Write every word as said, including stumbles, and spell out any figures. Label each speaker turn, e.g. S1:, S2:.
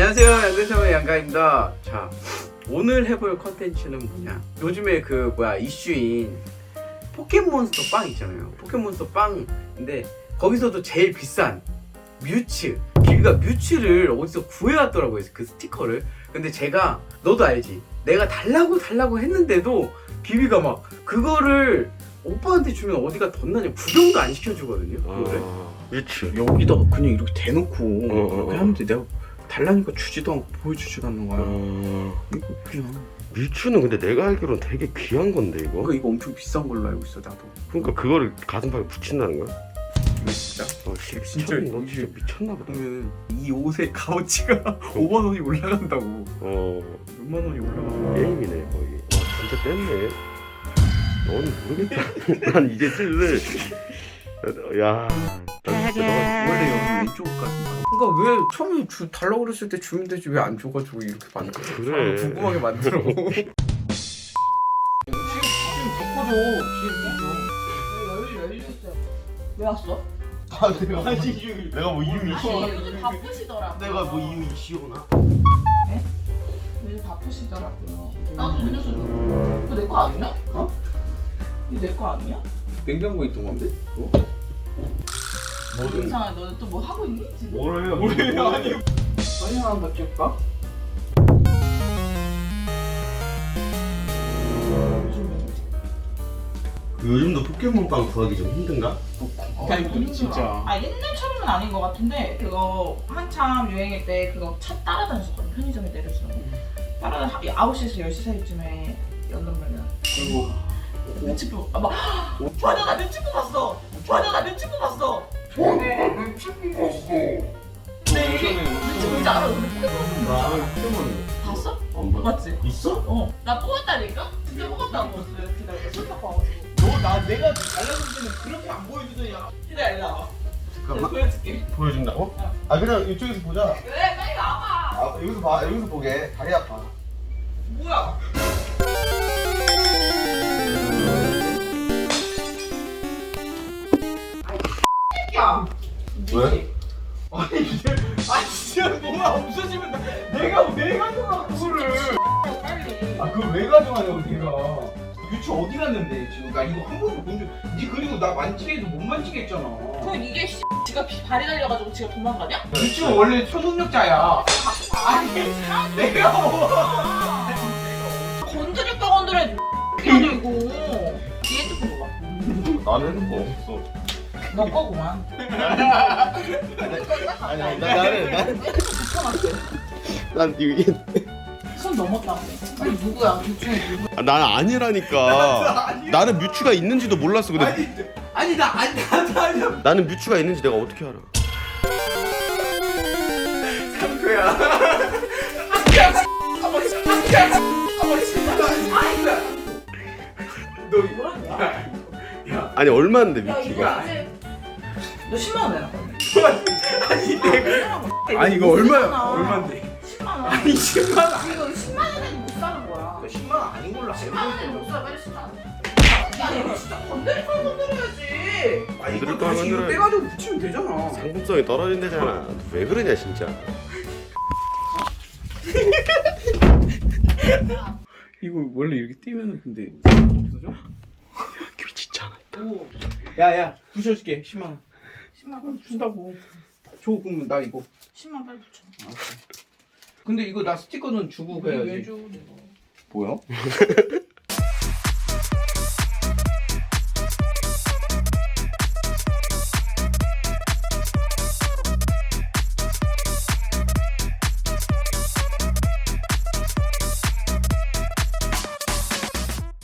S1: 안녕하세요, 양대성의 양가입니다. 자, 오늘 해볼 컨텐츠는 뭐냐, 요즘에 그 뭐야 이슈인 포켓몬스터 빵 있잖아요. 포켓몬스터 빵인데 거기서도 제일 비싼 뮤츠, 비비가 뮤츠를 어디서 구해왔더라고요, 그 스티커를. 근데 제가, 너도 알지, 내가 달라고 달라고 했는데도 비비가 막 그거를 오빠한테 주면 어디가 덧나냐, 구경도 안 시켜주거든요. 그거를
S2: 아, 뮤츠
S1: 여기다 그냥 이렇게 대놓고
S2: 어, 어,
S1: 그렇게
S2: 어.
S1: 하는데 내가 달라니까 주지도 않고 보여주지도 않는 거야.
S2: 어...
S1: 이거 그냥
S2: 뮤츠는 근데 내가 알기로는 되게 귀한 건데 이거?
S1: 이거 이거 엄청 비싼 걸로 알고 있어 나도.
S2: 그러니까 그거를 가슴팍에 붙인다는 거야?
S1: 이거 진짜?
S2: 어, 씨,
S1: 진짜
S2: 미쳤, 너
S1: 이게-
S2: 진짜 미쳤나 보다.
S1: 그러면 이 옷의 값어치가 오만 원이 올라간다고.
S2: 어...
S1: 육만 원이 올라가.
S2: 게임이네 거의. 와 진짜 뗐네. 너는 모르겠다. 난 이제 슬슬 야... 난 진짜 너...
S1: 원래 여기 왼쪽 같은 거. 그러니까 왜 처음에 주 달라고 그랬을 때 주면 되지 왜 안 줘가지고 이렇게 만들어?
S2: 그래.
S1: 사람을 궁금하게 만들어. 지금 바꿔줘. 지금
S3: 왜 왔어?
S4: 아 내가 뭐, 내가 뭐 이유 이슈
S3: 아니 요즘 바쁘시더라고요.
S4: 내가 뭐 이유 이슈구나.
S3: 요즘 바쁘시더라고요. 나도 음료수 줘. 이거 내 거 아니야? 어? 이거 내 거 아니야?
S1: 냉장고에 있던 건데? 그거?
S4: 뭐든
S3: 이상해. 너는 또 뭐 하고 있니 지금?
S4: 뭘 해요?
S1: 뭐예요? 아니 사진 하나 더 찍을까?
S4: 요즘도 포켓몬빵 구하기 좀 힘든가?
S1: 아니 진짜.
S3: 아 옛날처럼은 아닌 것 같은데 그거 한참 유행일 때 그거 차 따라다녔었거든. 편의점에 내려서 따라다 아홉 시에서 열 시 사이쯤에 연단 말이야.
S1: 그리고
S3: 뮤츠 뽑 아막 좋아요 나 뮤츠 뽑았어. 좋아요 나 뮤츠 뽑았어. 네 뮤츠 뽑았어. 네 뮤츠 뭔지 알아? 근데 포켓몬
S4: 나는 포켓몬
S3: 봤어?
S4: 안 봐.
S3: 맞지?
S4: 있어?
S3: 어. 나 뽑았다니까? 진짜 뽑았다고. 기다려. 손 닦고 와가지고.
S4: 너 나 내가 달라줄 때는 그렇게 안 보여주더니
S3: 기다려. 일로 와봐. 내가
S4: 잠깐만
S3: 보여줄게.
S4: 보여준다고?
S3: 어.
S4: 아 그냥 이쪽에서 보자.
S3: 그래 빨리 와봐.
S4: 아 여기서 봐 여기서 보게 다리 아파.
S3: 뭐야? 야.
S4: 왜?
S1: 아니 이제 아 진짜 뭐가 없어지면 나, 내가 왜 가져가 그거를?
S3: 빨리.
S1: 아 그걸 왜 가져가냐고 내가. 유치 어디 갔는데 지금? 나 이거 한 번도 본 적. 니 그리고 나 만지게 해도 못 만지게 했잖아.
S3: 그럼 이게 씨, 지가 비- 발이 달려가지고 지가 도망가냐?
S1: 유치는 원래 초능력자야. 아니 내가 뭐.
S3: 건드릴까 건드려야 돼. 이거. 이 핸드폰 봐봐.
S4: 나는 핸드폰 없어.
S3: 너 거구만.
S4: 아니 아니 나, 나는 나는
S3: 붙여놨어.
S2: 난 이게
S3: 손 넘었다고. 아니 누구야? 둘 중에 누구?
S2: 아, 난 아니라니까. 나는 뮤츠가 있는지도 몰랐어. 근데
S1: 아니 아니 나 아니 나도 아니야.
S2: 나는 뮤츠가 있는지 내가 어떻게 알아?
S1: 상표야. 너
S3: 뭐라냐?
S1: 야.
S2: 아니 얼마인데
S3: 야
S2: 뮤츠가?
S3: 이거 이제 너 십만 원 내놔.
S1: 아니 내가 아니 이거 얼마야? 얼마인데?
S3: 십만 원.
S1: 아니 십만 원.
S3: 이거 십만 원에는 못 사는 거야.
S1: 십만 원 아닌 걸로 알고
S3: 십만 원에는 못
S1: 있어.
S3: 사. 빨리 십만 원. 야 이거 진짜 건드릴 걸 건드려야지.
S1: 아니 이거
S2: 건드릴
S1: 다시 이거
S2: 거면
S1: 빼가지고 붙이면 되잖아.
S2: 상품성이 떨어진다잖아. 왜 그러냐 진짜.
S1: 이거 원래 이렇게 띄면은 근데 없어져?
S2: 길 진짜 않아.
S3: 오.
S1: 야야 붙여줄게 십만 원.
S3: 십만 원.
S1: 준다고. 줘 그러면 나 이거.
S3: 십만 원 빨리 붙여.
S1: 근데 이거 나 스티커는 주고
S3: 왜
S1: 가야지.
S3: 줘? 내가.
S1: 뭐야?